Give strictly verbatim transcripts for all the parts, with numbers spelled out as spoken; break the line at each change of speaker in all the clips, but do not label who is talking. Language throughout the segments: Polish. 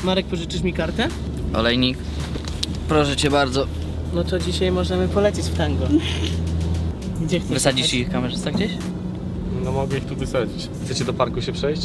Marek, pożyczysz mi kartę?
Olejnik, proszę cię bardzo.
No to dzisiaj możemy polecieć w tango. Gdzie chcesz?
Wysadzisz ich kamerzysta gdzieś?
No mogę ich tu wysadzić. Chcecie do parku się przejść?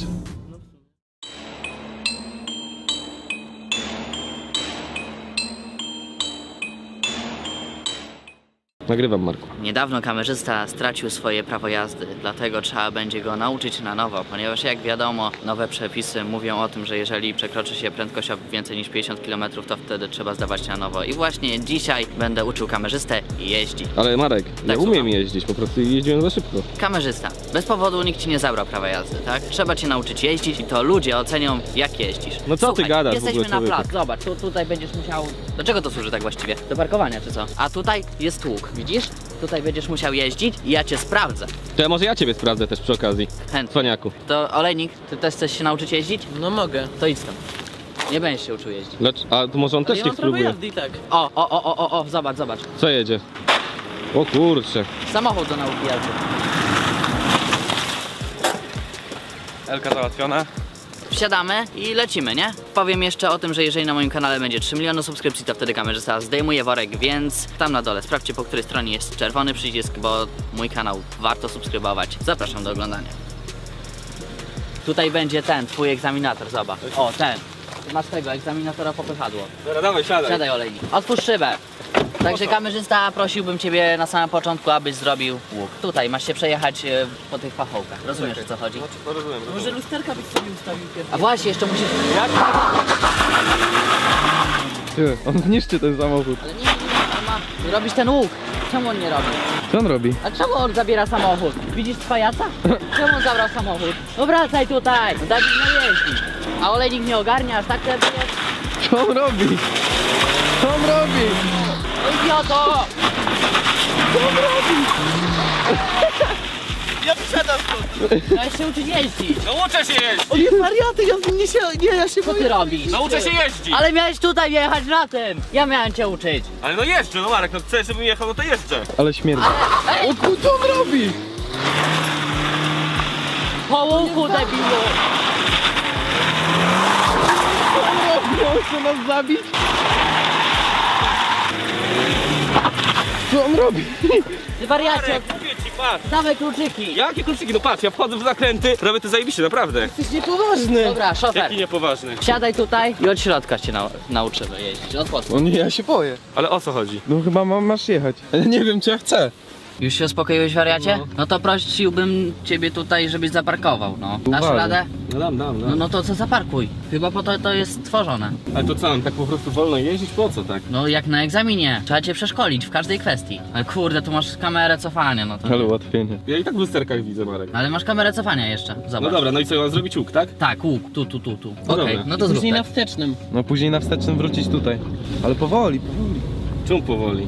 Nagrywam, Marku.
Niedawno kamerzysta stracił swoje prawo jazdy, dlatego trzeba będzie go nauczyć na nowo, ponieważ jak wiadomo, nowe przepisy mówią o tym, że jeżeli przekroczy się prędkość o więcej niż pięćdziesiąt kilometrów, to wtedy trzeba zdawać na nowo. I właśnie dzisiaj będę uczył kamerzystę jeździć.
Ale Marek, ja
Tak,
umiem
słucham.
jeździć, po prostu jeździłem za szybko.
Kamerzysta, bez powodu nikt ci nie zabrał prawa jazdy, tak? Trzeba cię nauczyć jeździć i to ludzie ocenią, jak jeździsz.
No co ty
Słuchaj,
gadasz w
jesteśmy
ogóle,
na
człowieku?
plac, zobacz, tu, tutaj będziesz musiał... Do czego to służy tak właściwie? Do parkowania czy co? A tutaj jest łuk, widzisz? Tutaj będziesz musiał jeździć i ja cię sprawdzę.
To ja może ja ciebie sprawdzę też przy okazji.
Chętnie.
Cwaniaku.
To Olejnik, ty też chcesz się nauczyć jeździć?
No mogę.
To idź tam. Nie będziesz się uczył jeździć.
Lecz, a to może on
Ale
też
ja
nie
mam prawo
spróbuje.
jazdy i tak.
O, o, o, o, o, o, zobacz, zobacz.
Co jedzie? O kurczę.
Samochód do nauki jazdy.
Elka załatwiona.
Wsiadamy i lecimy, nie? Powiem jeszcze o tym, że jeżeli na moim kanale będzie trzy miliony subskrypcji, to wtedy kamerzysta zdejmuje worek, więc tam na dole sprawdźcie, po której stronie jest czerwony przycisk, bo mój kanał warto subskrybować. Zapraszam do oglądania. Tutaj będzie ten, twój egzaminator, zobacz. O, ten. Masz tego egzaminatora popychadło.
Dobra, dawaj, siadaj.
Siadaj, Olejnik. Otwórz szybę. Także kamerzysta, prosiłbym ciebie na samym początku, abyś zrobił łuk. Tutaj masz się przejechać e, po tych pachołkach. Rozumiesz, o co chodzi?
No rozumiem,
Może
rozumiem.
lusterka byś sobie ustawił pierwszy.
A właśnie, jeszcze musisz...
Ty, on zniszczy ten samochód.
Ale nie, nie, nie, on ma robić ten łuk. Czemu on nie robi?
Co on robi?
A czemu on zabiera samochód? Widzisz cwajaca? Czemu on zabrał samochód? No wracaj tutaj! No Dawid nie jeździ. A Olejnik nie ogarniasz, tak teraz jest?
Co on robi? Co on robi?
No idioto!
Ja wysiadam stąd.
Daj się uczyć jeździć.
No uczę się jeździć!
O nie, wariaty, ja nie się, nie, ja się
Co ty robisz?
Nauczę się jeździć!
Ale miałeś tutaj jechać na tym! Ja miałem cię uczyć.
Ale no jeżdżę, no Marek, no chcesz, żebym jechał, no to jeżdżę.
Ale śmierdzi.
Ej,
O kur- co on robi?
po łuku, debilu!
Co on robi? On chce nas zabić? Co on robi?
Ty wariacie,
Marek, mówię ci, patrz.
dawaj kluczyki.
Jakie kluczyki? No patrz, ja wchodzę w zakręty, robię to zajebiście, naprawdę.
Jesteś niepoważny.
Dobra, szofer.
Jaki niepoważny.
Siadaj tutaj i od środka cię nau nauczymy jeździć. Od początku.
O nie, ja się boję.
Ale o co chodzi?
No chyba ma, masz jechać. Ale nie wiem, czy ja chcę.
Już się uspokoiłeś, wariacie?
No.
No to prosiłbym ciebie tutaj, żebyś zaparkował, no. Dasz
Uważaj.
radę?
No dam, dam,
No, no to co, zaparkuj. Chyba po to to jest stworzone.
Ale to co, mam tak po prostu wolno jeździć? Po co tak?
No jak na egzaminie. Trzeba cię przeszkolić w każdej kwestii. Ale kurde, tu masz kamerę cofania, no to...
Ale ułatwienie.
Ja i tak w lusterkach widzę, Marek.
Ale masz kamerę cofania jeszcze, zobacz.
No dobra, no i co, mam zrobić łuk, tak?
Tak, łuk, tu, tu, tu, tu.
No
Okej,
dobra.
no to zrób
Później
tak.
na wstecznym.
No później na wstecznym wrócić tutaj. Ale powoli, powoli.
Czemu powoli?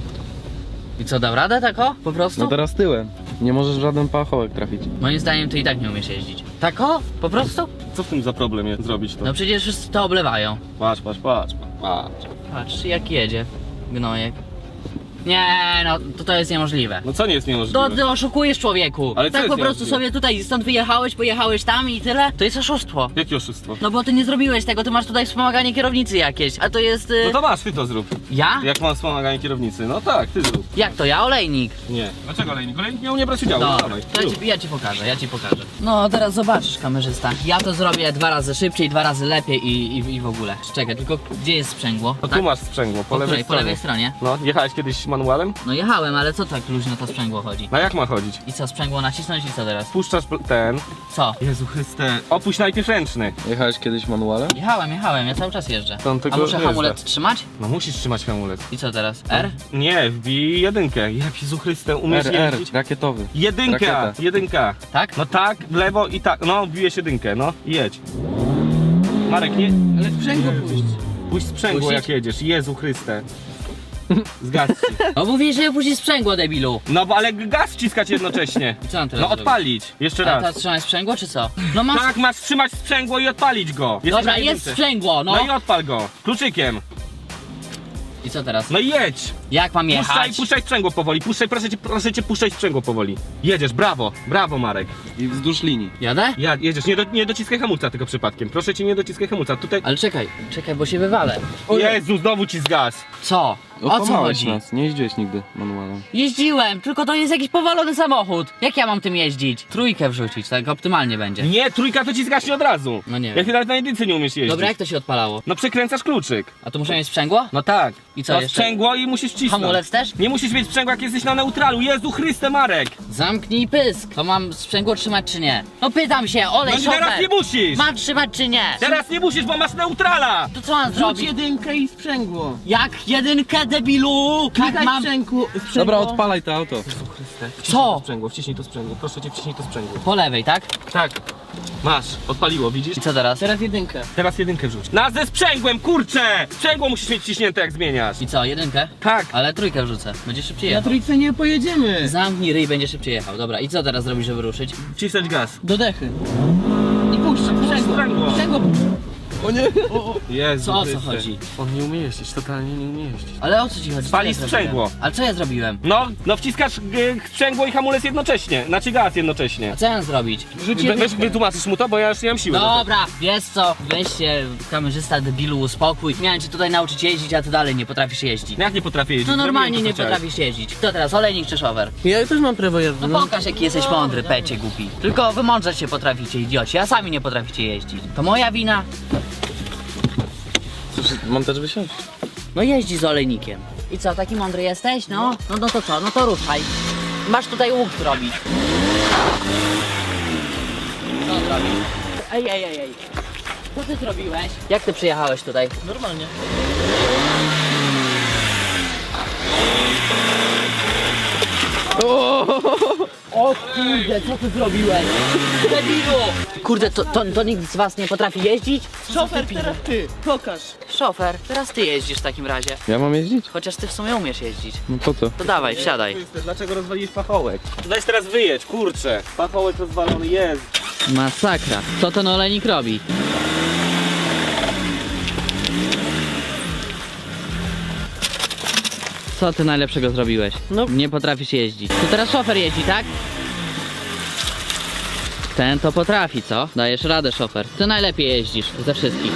I co, dał radę tako? Po prostu?
No teraz tyłem. Nie możesz w żaden pachołek trafić.
Moim zdaniem ty i tak nie umiesz jeździć. Tako? Po prostu?
Co w tym za problem jest zrobić to?
No przecież wszyscy to oblewają.
Patrz, patrz, patrz, patrz.
Patrz, jak jedzie. Gnojek. Nie, no to to jest niemożliwe.
No co nie jest niemożliwe?
To ty oszukujesz, człowieku.
Ale co
tak
jest
po prostu
niemożliwe?
sobie tutaj stąd wyjechałeś, pojechałeś tam i tyle? To jest oszustwo.
Jakie oszustwo?
No bo ty nie zrobiłeś tego, ty masz tutaj wspomaganie kierownicy jakieś, a to jest... Y...
No to masz, ty to zrób.
Ja?
Jak mam wspomaganie kierownicy? No tak, ty zrób.
Jak to ja? Olejnik.
Nie. Dlaczego olejnik? Olejnik miał nie brać udziału, no,
Dobra,
dawaj.
to ja
zrób.
ci, ja ci pokażę, ja ci pokażę. No teraz zobaczysz, kamerzysta. Ja to zrobię dwa razy szybciej, dwa razy lepiej i, i, i w ogóle. Czekaj, tylko gdzie jest sprzęgło?
No
Tak?
tu masz sprzęgło, po,
Po
lewej
której? Po
stronie.
lewej stronie?
No, jechałeś kiedyś manualem?
No jechałem, ale co tak luźno to sprzęgło chodzi?
No jak ma chodzić?
I co, sprzęgło nacisnąć i co teraz?
Puszczasz pl- ten...
Co?
Jezu Chryste. Opuść najpierw ręczny.
Jechałeś kiedyś manualem?
Jechałem, jechałem, ja cały czas jeżdżę.
To on
A
tylko
muszę
jeżdża.
hamulec trzymać?
No musisz trzymać hamulec.
I co teraz? R?
Nie, wbij jedynkę. Jak Jezu Chryste, umiesz
R, R,
jeździć?
rakietowy.
Jedynka,
Rakieta.
jedynka.
Tak?
No tak, w lewo i tak. No, wbiłeś jedynkę, no i jedź. Marek, nie...
Ale sprzęgło puść.
Puść sprzęgło
Puścić?
jak jedziesz. Jezu Chryste. Zgadź się.
No mówisz, że puścisz sprzęgło, debilu.
No bo ale gaz wciskać jednocześnie.
I co mam teraz
No
zrobić?
odpalić. Jeszcze
A teraz
raz.
trzymać sprzęgło, czy co? No masz...
Tak, masz trzymać sprzęgło i odpalić go. Jesteś
Dobra,
na
jest
jedynce.
sprzęgło, no.
No i odpal go. Kluczykiem.
I co teraz?
No i jedź!
Jak mam
Puszczaj,
jechać?
puszczaj sprzęgło powoli, puszczaj, proszę cię, proszę cię, puszczaj sprzęgło powoli. Jedziesz, brawo, brawo Marek.
I wzdłuż linii.
Jadę?
Ja, jedziesz, nie, do, nie dociskaj hamulca tylko przypadkiem, proszę cię, nie dociskaj hamulca, tutaj...
Ale czekaj, czekaj, bo się wywalę.
Jezu, znowu ci zgas.
Co? O co
Okłamałeś
chodzi?
nas, nie jeździłeś nigdy manualem.
Jeździłem, tylko to jest jakiś powalony samochód. Jak ja mam tym jeździć? Trójkę wrzucić, tak optymalnie będzie.
Nie, trójka to ci zgaśnie od razu.
No nie wiem.
Jak ty nawet na jedynce nie umiesz jeździć.
Dobra, jak to się odpalało?
No przekręcasz kluczyk.
A tu muszę mieć sprzęgło?
No tak.
I co
no,
jeszcze?
sprzęgło i musisz wcisnąć.
Hamulec też?
Nie musisz mieć sprzęgła, jak jesteś na neutralu. Jezu Chryste, Marek.
Zamknij pysk. To mam sprzęgło trzymać czy nie? No pytam się, olej
No i
szofer.
teraz nie musisz.
Mam trzymać czy nie?
Teraz nie musisz, bo masz neutrala.
To co mam
Rzuć
zrobić?
jedynkę i sprzęgło.
Jak jedynkę, debilu? Tak
Klikaj
mam...
sprzęgło, sprzęgło.
Dobra, odpalaj to auto.
Co?
Sprzęgło, wciśnij to sprzęgło. Proszę cię, wciśnij to sprzęgło.
Po lewej, tak?
Tak. Masz, odpaliło, widzisz?
I co teraz?
Teraz jedynkę.
Teraz jedynkę wrzuć. Na ze sprzęgłem, kurczę! Sprzęgło musisz mieć wciśnięte, jak zmieniasz.
I co, jedynkę?
Tak.
Ale trójkę wrzucę, będzie szybciej
Na
jechał.
trójce nie pojedziemy.
Zamknij ryj, będzie szybciej jechał. Dobra, i co teraz zrobisz, żeby ruszyć?
Wcisnąć gaz.
Do dechy. I puszczę, sprzęgło.
Sprzęgło.
Sprzęgło.
O nie!
Jezu
Co o co
Chryste.
chodzi?
On nie umie jeździć, totalnie nie umie jeździć.
Ale o co ci chodzi? Co
Spali
ja zrobiłem?
sprzęgło.
Ale co ja zrobiłem?
No, no wciskasz y, sprzęgło i hamulec jednocześnie. Znaczy gaz jednocześnie.
A co ja mam zrobić?
We, weź wytłumaczysz mu to, bo ja już nie mam siły. do
Dobra, wiesz co, weź się, kamerzysta debilu, uspokój. Miałem cię tutaj nauczyć jeździć, a ty dalej nie potrafisz jeździć.
tego. Jak nie potrafię jeździć?
No normalnie
Zrobiłem to,
nie
co chciałeś.
potrafisz jeździć. Kto teraz, olejnik czy szofer?
Ja też mam prawo jazdy.
No pokaż jaki jesteś mądry, pecie głupi. Tylko wy mądrze się potraficie, idioci, a sami nie potraficie jeździć. To moja wina?
Mam też wysiąść?
No jeździ z olejnikiem. I co, taki mądry jesteś? No, no, no to co, no to ruszaj. Masz tutaj łuk zrobić. Co zrobić? Ej, ej, ej, ej. Co ty zrobiłeś? Jak ty przyjechałeś tutaj?
Normalnie.
O kurde, co ty zrobiłeś? Debilu! Kurde, to, to, to nikt z was nie potrafi jeździć?
Szofer, teraz ty. Pokaż.
Szofer, teraz ty jeździsz w takim razie.
Ja mam jeździć?
Chociaż ty w sumie umiesz jeździć.
No po co?
To dawaj, wsiadaj.
Chryste, dlaczego rozwaliłeś pachołek? Weź teraz wyjedź, kurczę. Pachołek rozwalony jest.
Masakra. Co ten olejnik robi? Co ty najlepszego zrobiłeś?
No.
Nie potrafisz jeździć. To teraz szofer jeździ, tak? Ten to potrafi, co? Dajesz radę, szofer. Ty najlepiej jeździsz ze wszystkich.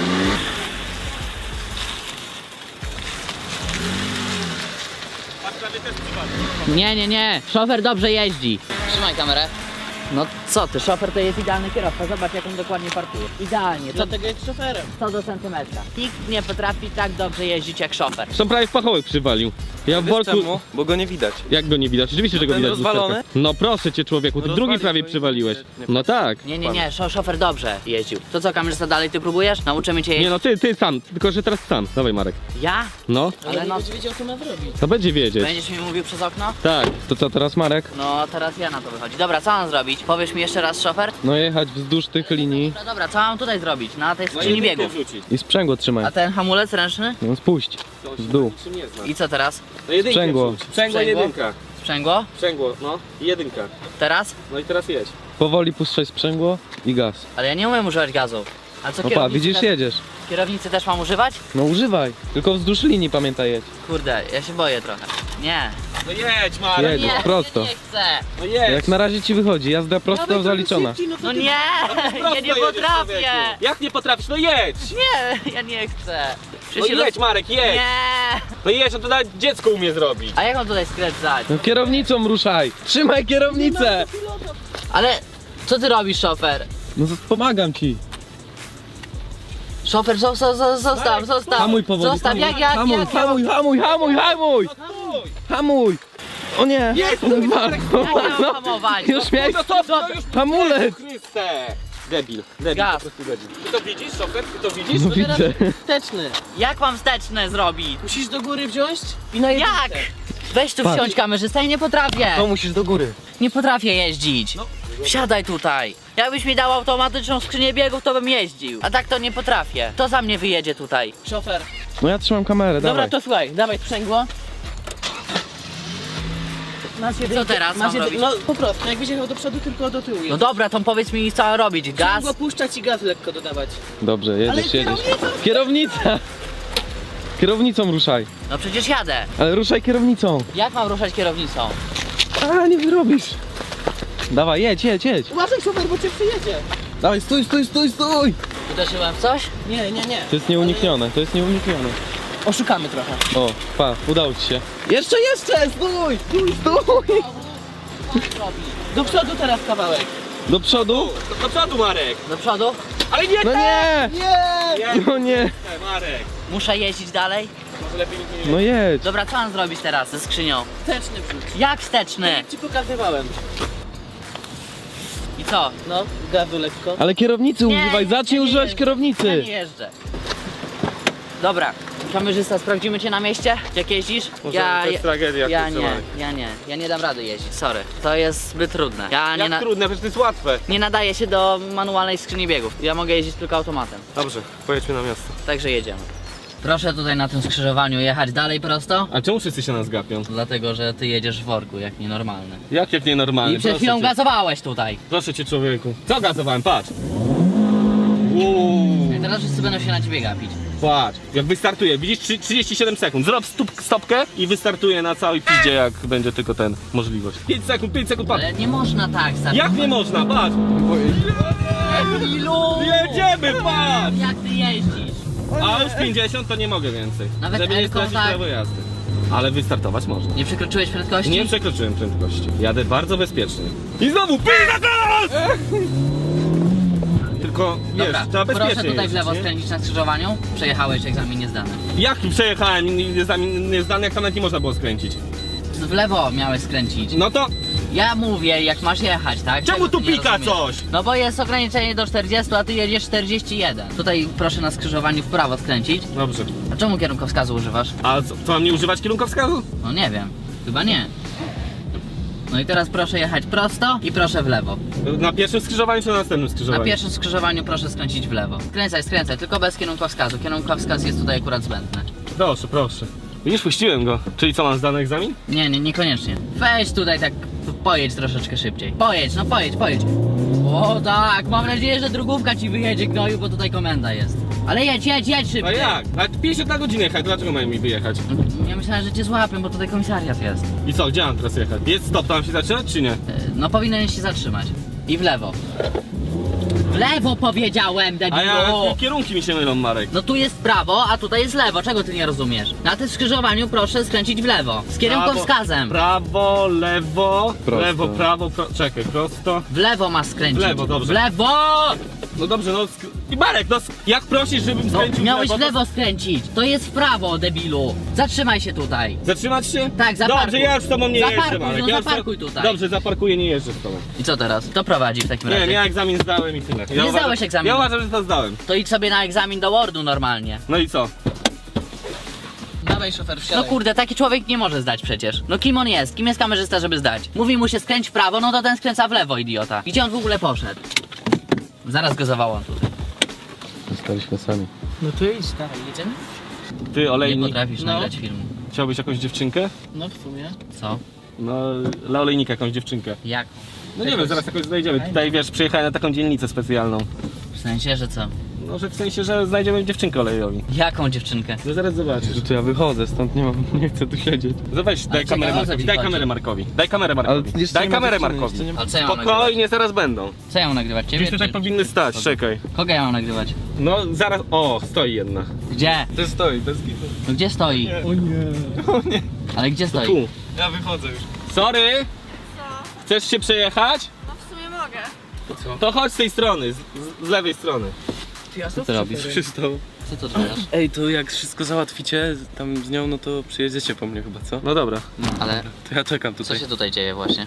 Nie, nie, nie. Szofer dobrze jeździ. Trzymaj kamerę. No co ty, szofer to jest idealny kierowca. Zobacz jak on dokładnie parkuje. Idealnie, co,
Dlatego jest szoferem.
co do centymetra. Nikt nie potrafi tak dobrze jeździć jak szofer.
Są prawie w pachołek przywalił. Ja w worku...
Bo go nie widać.
Jak go nie widać? Oczywiście, że go
ten
widać.
rozwalony?
lusterka. No proszę cię człowieku, ty
No
drugi
rozwalił
prawie
go i
przywaliłeś.
nie- nie
No tak.
Nie, nie, nie, szo szofer dobrze jeździł. To co, kamerzysta, dalej ty próbujesz? Nauczymy cię jeździć.
Nie no, ty, ty sam, tylko że teraz sam. Dawaj Marek.
Ja?
No,
Ale
Ale
nie
no,
będzie wiedział, co ma zrobić.
to będzie wiedzieć.
będziesz mi mówił przez okno?
Tak.
To co teraz, Marek?
No, teraz ja na to wychodzi. Dobra, co mam zrobić? Powiesz mi jeszcze raz, szofer?
No jechać wzdłuż tych linii
Dobra, dobra, co mam tutaj zrobić? Na tej
No
skrzyni biegów.
i sprzęgło trzymaj.
A ten hamulec ręczny?
No spuść. W dół.
I co teraz?
No jedynkę
Sprzęgło.
wrzuć. Sprzęgło,
Sprzęgło?
jedynka.
Sprzęgło?
Sprzęgło, no. I jedynka.
Teraz?
No i teraz jedź.
Powoli puszczaj sprzęgło i gaz.
Ale ja nie umiem używać gazu. A co
No pa,
kierownicy
widzisz,
też,
jedziesz.
kierownicy też mam używać?
No używaj. Tylko wzdłuż linii pamiętaj jedź.
Kurde, ja się boję trochę. Nie.
No jedź Marek.
Jedź.
Nie,
prosto.
ja nie chcę.
No jedź.
Jak na razie ci wychodzi, jazda prosto zaliczona.
No nie,
Prosto
ja nie
jedziesz,
potrafię.
człowieku. Jak nie potrafisz? No jedź.
Nie, ja nie chcę.
No
Przecież się
jedź
roz-
Marek, jedź.
Nie.
No jedź, no to nawet dziecko umie zrobić.
A jak mam tutaj skręcać?
No kierownicą ruszaj! Trzymaj kierownicę!
Ale co ty robisz, szofer?
No z- pomagam ci.
Szofer, zo- zo- zo- zostaw, zostaw.
Hamuj powoli.
Zostaw,
hamuj,
jak, jak,
hamuj,
jak,
hamuj, hamuj, hamuj, hamuj! Hamuj! O nie!
Jest,
No,
jak ja mam hamować?
już miałeś
No to, to już
hamulec!
Chryste. Debil, debil,
Gaz.
po prostu debil. Ty to widzisz, szofer? Ty to widzisz?
No widzę.
Wsteczny.
Jak mam wsteczne zrobić?
Musisz do góry wziąć i na jedynkę.
Jak? Weź tu
Patrz.
wsiądź kamerzysta i nie potrafię.
To musisz do góry.
Nie potrafię jeździć. Wsiadaj tutaj. Jakbyś mi dał automatyczną skrzynię biegów, to bym jeździł. A tak to nie potrafię. To za mnie wyjedzie tutaj.
Szofer.
No ja trzymam kamerę,
Dobra,
dawaj.
to słuchaj, dawaj sprzęgło. Masz jedynkę,
teraz
masz
mam
jedy- No po prostu, jakbyś jechał do przodu, tylko do tyłu.
No dobra, to powiedz mi co robić. Gaz?
Sprzęgło puszczać i gaz lekko dodawać.
Dobrze,
Ale
jedziesz, jedziesz.
kierownica-
Kierownica! Kierownicą ruszaj.
No przecież jadę.
Ale ruszaj kierownicą.
Jak mam ruszać kierownicą?
A, nie wyrobisz. Dawaj, jedź, jedź, jedź.
Uważaj, szofer, bo cię przyjedzie.
Dawaj, stój, stój, stój, stój.
Uderzyłem w coś?
Nie, nie, nie.
To jest nieuniknione, to jest nieuniknione.
Oszukamy trochę.
O, pa, udało ci się. Jeszcze, jeszcze, stój, stój, stój.
Do przodu teraz kawałek.
Do przodu?
Do przodu, Marek!
Do przodu?
Ale nie
No nie,
Nie!
no nie.
Marek!
Muszę jeździć dalej?
Może lepiej nikt nie
No jedź.
Dobra, co mam zrobić teraz ze skrzynią?
Wsteczny wrzuć.
Jak wsteczny?
Jak ci pokazywałem.
I co?
No, gazu lekko.
Ale kierownicy
Nie,
używaj,
nie,
zacznij
nie
używać
jeżdżę. Ja
kierownicy.
nie jeżdżę. Dobra, kamerzysta, sprawdzimy cię na mieście? Jak jeździsz?
Może to jest tragedia,
Ja
kurczę,
nie,
Marek.
ja nie, ja nie dam rady jeździć, sorry. To jest zbyt trudne. Ja nie,
Jak
na,
trudne, przecież to jest łatwe.
nie nadaję się do manualnej skrzyni biegów. Ja mogę jeździć tylko automatem.
Dobrze, pojedźmy na miasto.
Także jedziemy. Proszę tutaj na tym skrzyżowaniu jechać dalej prosto.
A czemu wszyscy się nas gapią?
Dlatego, że ty jedziesz w worku, jak nienormalny.
Jak, jak nienormalnie?
I przed chwilą
proszę cię.
gazowałeś tutaj.
Proszę cię, człowieku. Co gazowałem? Patrz. Uuu.
I teraz wszyscy będą się na ciebie gapić.
Patrz, jak wystartuje, widzisz trzy- trzydzieści siedem sekund, zrób stup, stopkę i wystartuje na całej piździe, jak będzie tylko ten możliwość. pięć sekund, pięć sekund, patrz.
Ale nie można tak startować.
Jak nie można, patrz.
Ilu?
Jedziemy, patrz.
Jak ty jeździsz?
A już pięćdziesiąt to nie mogę więcej,
Nawet
żeby nie
Elką
stracić
tak.
prawo jazdy. Ale wystartować można.
Nie przekroczyłeś prędkości?
Nie przekroczyłem prędkości, jadę bardzo bezpiecznie. I znowu pizza gaz! Tylko, wiesz,
Dobra,
trzeba bezpiecznie
proszę tutaj w
jeździć,
lewo
nie?
skręcić na skrzyżowaniu. Przejechałeś egzamin niezdany.
Jak przejechałem niezdany, jak tam nawet nie można było skręcić?
W lewo miałeś skręcić.
No to
Ja mówię, jak masz jechać, tak?
czemu
Czego
tu
ty nie
pika
rozumiesz?
coś?
No bo jest ograniczenie do czterdziestu, a ty jedziesz czterdzieści jeden. Tutaj proszę na skrzyżowaniu w prawo skręcić.
Dobrze.
A czemu kierunkowskazu używasz?
A co, co mam nie używać kierunkowskazu?
No nie wiem, chyba nie. No i teraz proszę jechać prosto i proszę w lewo.
Na pierwszym skrzyżowaniu czy na następnym
Na
skrzyżowaniu?
pierwszym skrzyżowaniu proszę skręcić w lewo. Skręcaj, skręcaj, tylko bez kierunkowskazu. Kierunkowskaz jest tutaj akurat zbędny.
Proszę, proszę. Widzisz, puściłem go. Czyli co, mam zdany egzamin?
Nie, nie, niekoniecznie. Weź tutaj tak, pojedź troszeczkę szybciej. Pojedź, no pojedź, pojedź. O tak, mam nadzieję, że drugówka ci wyjedzie, gnoju, bo tutaj komenda jest. Ale jedź, jedź, jedź
A
szybciej.
jak? A pięćdziesiąt na godzinę jechać, dlaczego mają mi wyjechać?
Ja myślałem, że cię złapię, bo tutaj komisariat jest.
I co, gdzie mam teraz jechać? Jest stop, tam się zaczynać czy nie?
E, No powinieneś się zatrzymać. I w lewo. W lewo powiedziałem, debilu!
A ja, kierunki mi się mylą, Marek.
No tu jest prawo, a tutaj jest lewo. Czego ty nie rozumiesz? Na tym skrzyżowaniu proszę skręcić w lewo. Z kierunkowskazem.
Prawo, lewo,
Prosto.
lewo, prawo, pro... czekaj, prosto.
W lewo masz skręcić.
W lewo, dobrze.
W lewo!
No dobrze, no sk- i Marek, no sk- jak prosisz, żebym
No,
skręcił
miałeś w
to-
lewo skręcić. To jest w prawo, debilu. Zatrzymaj się tutaj.
Zatrzymać się?
Tak, zaparkuj.
Dobrze, ja już z tobą nie
Zaparkuj,
jeżdżę, Marek.
no
ja już
zaparkuj
to-
tutaj.
Dobrze, zaparkuję, nie jeżdżę z tobą.
I co teraz? Kto prowadzi w takim
Nie,
razie?
ja egzamin zdałem i tyle. Ja
Nie
uważam-
zdałeś egzaminu.
Ja uważam, że to zdałem.
To idź sobie na egzamin do Wordu normalnie.
No i co?
Dawaj, szofer,
No
wsiadaj.
kurde, taki człowiek nie może zdać przecież. No kim on jest? Kim jest kamerzysta, żeby zdać? Mówi mu się skręć w prawo, no to ten skręca w lewo, idiota. Gdzie on w ogóle poszedł? Zaraz go zawołam tutaj.
Zostaliśmy sami.
No to idź, dawaj, jedziemy?
Ty,
Nie
olejnik,
potrafisz
No.
nagrać filmu.
chciałbyś jakąś dziewczynkę?
No w sumie.
Co?
No, dla olejnika jakąś dziewczynkę.
Jak?
No nie wiem, zaraz jakoś znajdziemy. Tutaj, wiesz, przyjechałem na taką dzielnicę specjalną.
W sensie, że co?
No, że w sensie, że znajdziemy dziewczynkę olejowi.
Jaką dziewczynkę?
No zaraz zobaczysz.
Że to ja wychodzę, stąd nie mam, nie chcę tu siedzieć.
No weź, daj
czekaj,
kamerę
o co
Markowi,
ci
daj
chodzi?
kamerę Markowi. Daj kamerę
Ale
Markowi.
jeszcze
Daj
nie ma
kamerę
dziewczyny,
Markowi.
jeszcze nie ma-
Ale co ja mam nagrywać?
Spokojnie, zaraz będą.
Co ja mam nagrywać? Ciebie?
Gdzieś tutaj
czy-
powinny stać, czekaj.
Kogo ja mam nagrywać?
No zaraz, o, stoi jedna.
Gdzie?
To stoi, bez kitu.
No gdzie stoi?
O nie.
Ale gdzie stoi?
Tu.
Ja wychodzę już.
Sorry,
Co?
chcesz się przejechać?
No w sumie mogę.
To chodź z tej strony, z, z lewej strony.
Co ty robisz?
Przystał.
Co to odwalasz?
Ej, to jak wszystko załatwicie tam z nią, no to przyjedziecie po mnie chyba, co?
No dobra.
Ale
To ja czekam
co
tutaj.
się tutaj dzieje właśnie?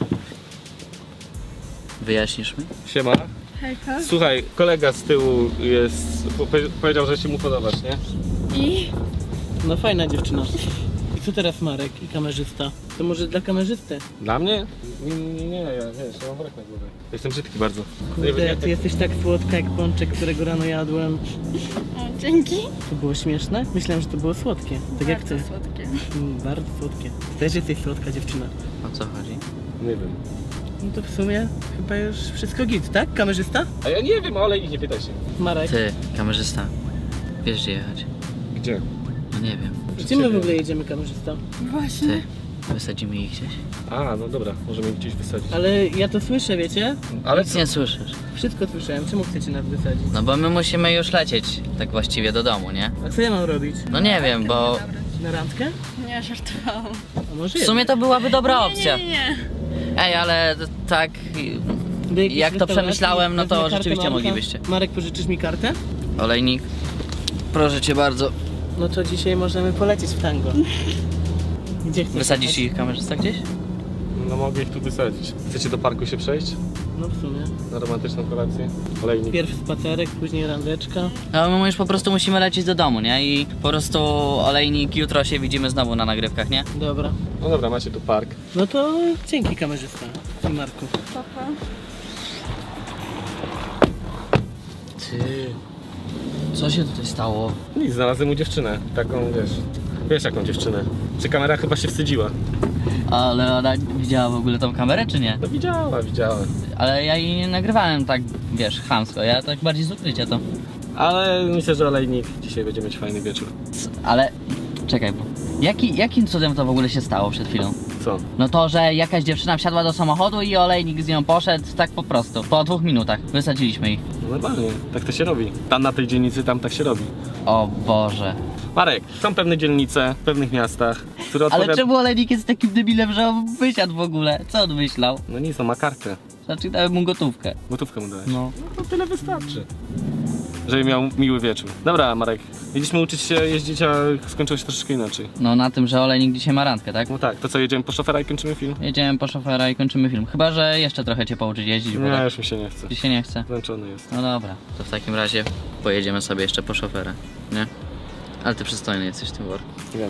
Wyjaśnisz mi?
Siema.
Hejka.
Słuchaj, kolega z tyłu jest, po- powiedział, że się mu podobasz, nie?
I?
No fajna dziewczyna. I co teraz Marek i kamerzysta? To może dla kamerzysty?
Dla mnie? Nie, nie, nie, ja wiesz, ja mam wrak na głowie. Jestem brzydki bardzo.
Kurde, ty jesteś tak słodka jak pączek, którego rano jadłem.
O, dzięki.
To było śmieszne? Myślałem, że to było słodkie. Tak jak ty.
Bardzo słodkie.
Mm, bardzo słodkie. Ty też jesteś słodka dziewczyna.
O co chodzi?
Nie wiem.
No to w sumie chyba już wszystko git, tak? Kamerzysta?
A ja nie wiem, ale nie pytaj się.
Marek.
Ty, kamerzysta. Wiesz gdzie jechać.
Gdzie?
No nie wiem.
Gdzie my w ogóle jedziemy, kamerzysta?
Właśnie.
Ty, wysadzimy ich gdzieś?
A, no dobra, możemy ich gdzieś wysadzić.
Ale ja to słyszę, wiecie?
Ale
Nic nie słyszysz.
Wszystko słyszałem. Czemu chcecie nas wysadzić?
No bo my musimy już lecieć tak właściwie do domu, nie?
A co ja mam robić?
No nie wiem, bo
Na randkę?
Nie, żartowałam.
A może
w sumie to byłaby dobra opcja.
Nie, nie, nie.
Ej, ale tak
Do jakiejś
jak to
restauracji
przemyślałem, no
wezmę
to
kartę
rzeczywiście
Marka.
moglibyście.
Marek, pożyczysz mi kartę?
Olejnik, proszę cię bardzo.
No to dzisiaj możemy polecieć w tango. Gdzie chcesz?
Wysadzisz ich kamerzysta gdzieś?
No mogę ich tu wysadzić. Chcecie do parku się przejść?
No w sumie.
Na romantyczną kolację? Olejnik.
Pierw spacerek, później randeczka.
No my już po prostu musimy lecieć do domu, nie? I po prostu olejnik, jutro się widzimy znowu na nagrywkach, nie?
Dobra.
No dobra, macie tu park.
No to dzięki, kamerzysta i Marku.
Papa.
Ty, co się tutaj stało?
Nic, znalazłem mu dziewczynę. Taką, wiesz... Wiesz jaką dziewczynę. Czy kamera chyba się wstydziła?
Ale ona widziała w ogóle tą kamerę, czy nie?
No widziała, widziała.
Ale ja jej nie nagrywałem tak, wiesz, chamsko, ja tak bardziej z ukrycia to.
Ale myślę, że olejnik dzisiaj będzie mieć fajny wieczór.
Ale, czekaj, bo jaki, jakim cudem to w ogóle się stało przed chwilą?
Co?
No to, że jakaś dziewczyna wsiadła do samochodu i olejnik z nią poszedł tak po prostu. Po dwóch minutach wysadziliśmy ich.
No normalnie, tak to się robi. Tam na tej dzielnicy, tam tak się robi.
O Boże.
Marek, są pewne dzielnice w pewnych miastach, które
Ale
odpowiada...
czemu olejnik jest takim debilem, że on wysiadł w ogóle? Co on myślał?
No nic, no ma kartę.
Znaczy dałem mu gotówkę.
Gotówkę mu dałeś.
No.
No to tyle wystarczy. Żeby miał miły wieczór. Dobra, Marek, mieliśmy uczyć się jeździć, a skończyło się troszeczkę inaczej.
No na tym, że olejnik dzisiaj ma randkę, tak?
No tak, to co, jedziemy po szofera i kończymy film?
Jedziemy po szofera i kończymy film. Chyba, że jeszcze trochę cię pouczyć jeździć, bo
Nie,
tak
już mi się nie chce.
ci się nie chce.
Zmęczony jest.
No dobra, to w takim razie pojedziemy sobie jeszcze po szofera, nie? Ale ty przystojny jesteś w tym worku.
Wiem.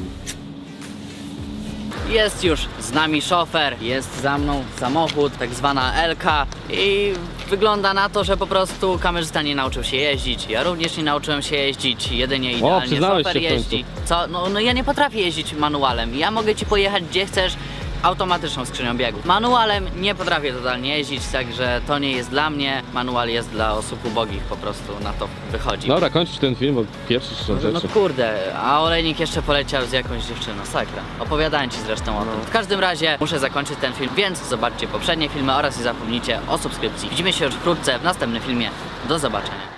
Jest już z nami szofer, jest za mną samochód, tak zwana Elka i wygląda na to, że po prostu kamerzysta nie nauczył się jeździć, ja również nie nauczyłem się jeździć, jedynie idealnie
przyznałeś
szofer
się w końcu.
jeździ. Co? No, no ja nie potrafię jeździć manualem, ja mogę ci pojechać gdzie chcesz, automatyczną skrzynią biegów. Manualem nie potrafię totalnie jeździć, także to nie jest dla mnie, manual jest dla osób ubogich, po prostu na to wychodzi.
Dobra, kończysz ten film, bo pierwszy
No,
rzeczy.
no kurde, a olejnik jeszcze poleciał z jakąś dziewczyną, sakra. Opowiadałem ci zresztą o tym. W każdym razie muszę zakończyć ten film, więc zobaczcie poprzednie filmy oraz nie zapomnijcie o subskrypcji. Widzimy się już wkrótce w następnym filmie. Do zobaczenia.